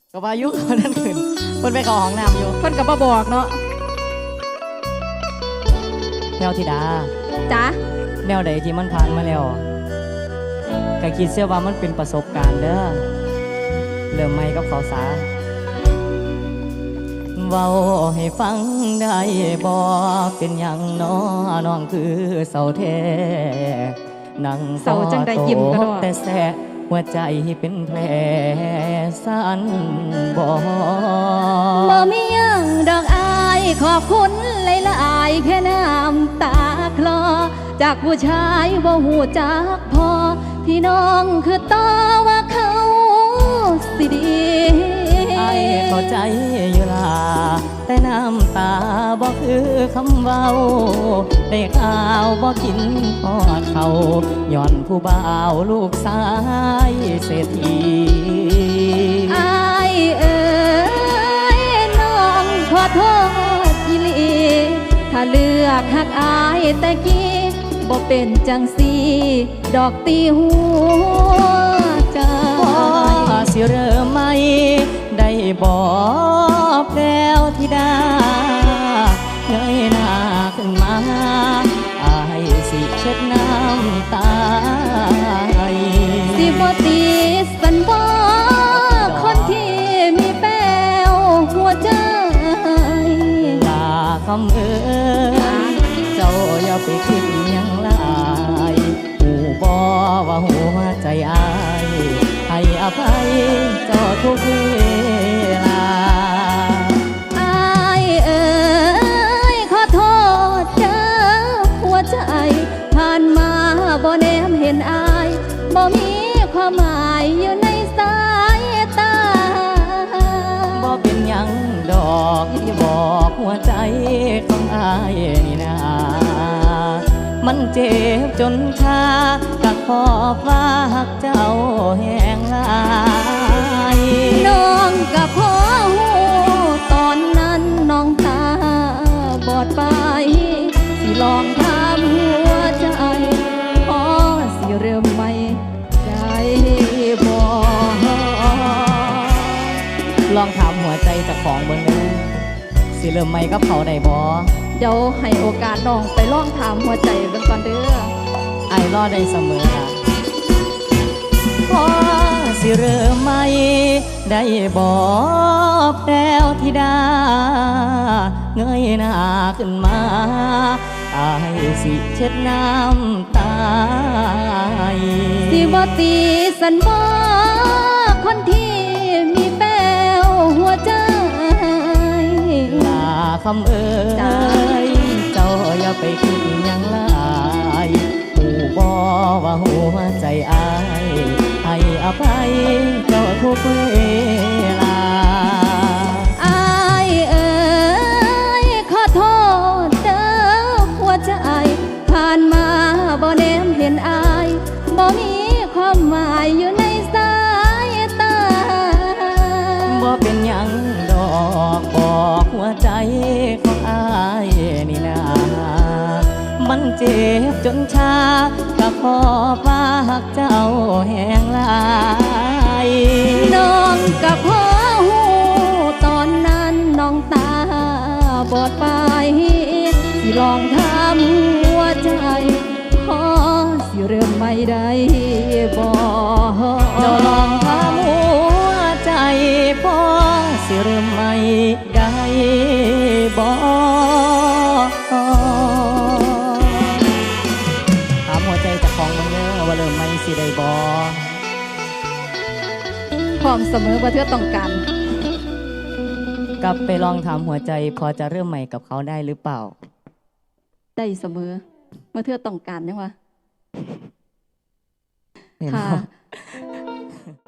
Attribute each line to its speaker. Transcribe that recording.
Speaker 1: ก็ว่ายุคนนั้นขึ้นคนไปเข้าห้องน้ำอยู่
Speaker 2: คนกับบ่บอกเนาะ
Speaker 1: แนวธิดา
Speaker 2: จ้ะ
Speaker 1: แนวใดที่มันผ่านมาแล้วก็คิดเสียว่ามันเป็นประสบการณ์เด้อเริ่มใหม่กับเขาสาเว้าให้ฟังได้บ่เป็นอย่างน้อน้องคือเสาแท้นั่ง
Speaker 2: เสาจังได้ยิ้มก็ดอก
Speaker 1: แต่แสะหัวใจเป็นแผลสั่นบ่
Speaker 2: บ่มีหยังดอกอายขอบคุณหลายๆแค่น้ำตาคลอจากผู้ชายบ่หูจักพอที่น้องคือต่อว่าเขาสิดี
Speaker 1: ไอ้เข้าใจอยู่ล่ะแต่น้ำตาบ่คือคำเว้าได้ข่าวบ่กินพอดเขาย้อนผู้บ่าวลูกชายเศรษฐี
Speaker 2: อายเอ๋ยน้องขอโทษอีหลีถ้าเลือกหักอายแต่กี้บ่เป็นจังสีดอกตีหัวใจ
Speaker 1: พอสิเริ่มไหมได้บอกแล้วธิดาเงยหน้าขึ้นมาอายสิเช็ดน้ำตา
Speaker 2: สิบ่ตีสันบ่คนที่มีแป้วหัวใจ
Speaker 1: ลาคำเอ่ยเจ้าอย่าไปคิดหยังหลายหูบ่ว่าหัวใจอายให้อภัยเจ้าทุกเวลา
Speaker 2: อายเอ๋ยขอโทษเด้อหัวใจผ่านมาบ่แนมเห็นอายบ่มีความหมายอยู่ในสายตา
Speaker 1: บ่เป็นหยังดอกที่บอกหัวใจของอายนี่นามันเจ็บจนชาก็ขอฝากเจ้าแห่งหลาย
Speaker 2: น้องกับพ่อหูตอนนั้นน้องตาบอดไป สิลองถามหัวใจพอสิเริ่มใหม่ได้บ่
Speaker 1: ลองถามหัวใจเจากของเบิ่งเด้อสิเริ่มใหม่กับเขาได้บ่
Speaker 2: เดี๋ยวให้โอกาสน้องไปลองถามหัวใจเบิ่งก่อนเด้อ
Speaker 1: ไอ้ายรอได้เสมอนะพอสิเริ่มใหม่ได้บอกแล้วธิดาเงยหน้าขึ้นมาอายสิเช็ดน้ำตา
Speaker 2: สิบ่ตีสันบ่คนที่มีแป้วหัวใจ
Speaker 1: ลาคำเอ่ยเจ้าอย่าไปคิดหยังหลายผู้บ่ว่าหัวใจอายให้อภัยเจ้าทุกเวลา
Speaker 2: อายเอ๋ยขอโทษเด้อหัวใจผ่านมาบ่แนมเห็นอายบ่มีความหมายอยู่ในสายตา
Speaker 1: บ่เป็นหยังดอกบอกหัวใจของอายนี่นามันเจ็บจนชาก็ขอฝากเจ้าแห่งหลาย
Speaker 2: น้องกับพ่อหูตอนนั้นน้องตาบอดไป สิลองถามหัวใจพอสิเริ่มไม่ได้บ่
Speaker 1: เจ้าลองถามหัวใจพอสิเริ่มไม่ได้บ่ถามหัวใจเจากของมันเด้อว่าเริ่มไม่สิได้บ่
Speaker 2: พร้อมเสมอว่าเธอต้องการ
Speaker 1: กลับไปลองถามหัวใจพอจะเริ่มใหม่กับเขาได้หรือเปล่า
Speaker 2: ได้เสมอเมื่อเธอต้องการยังวะ
Speaker 1: เห็น
Speaker 2: ค่ะ
Speaker 1: บ่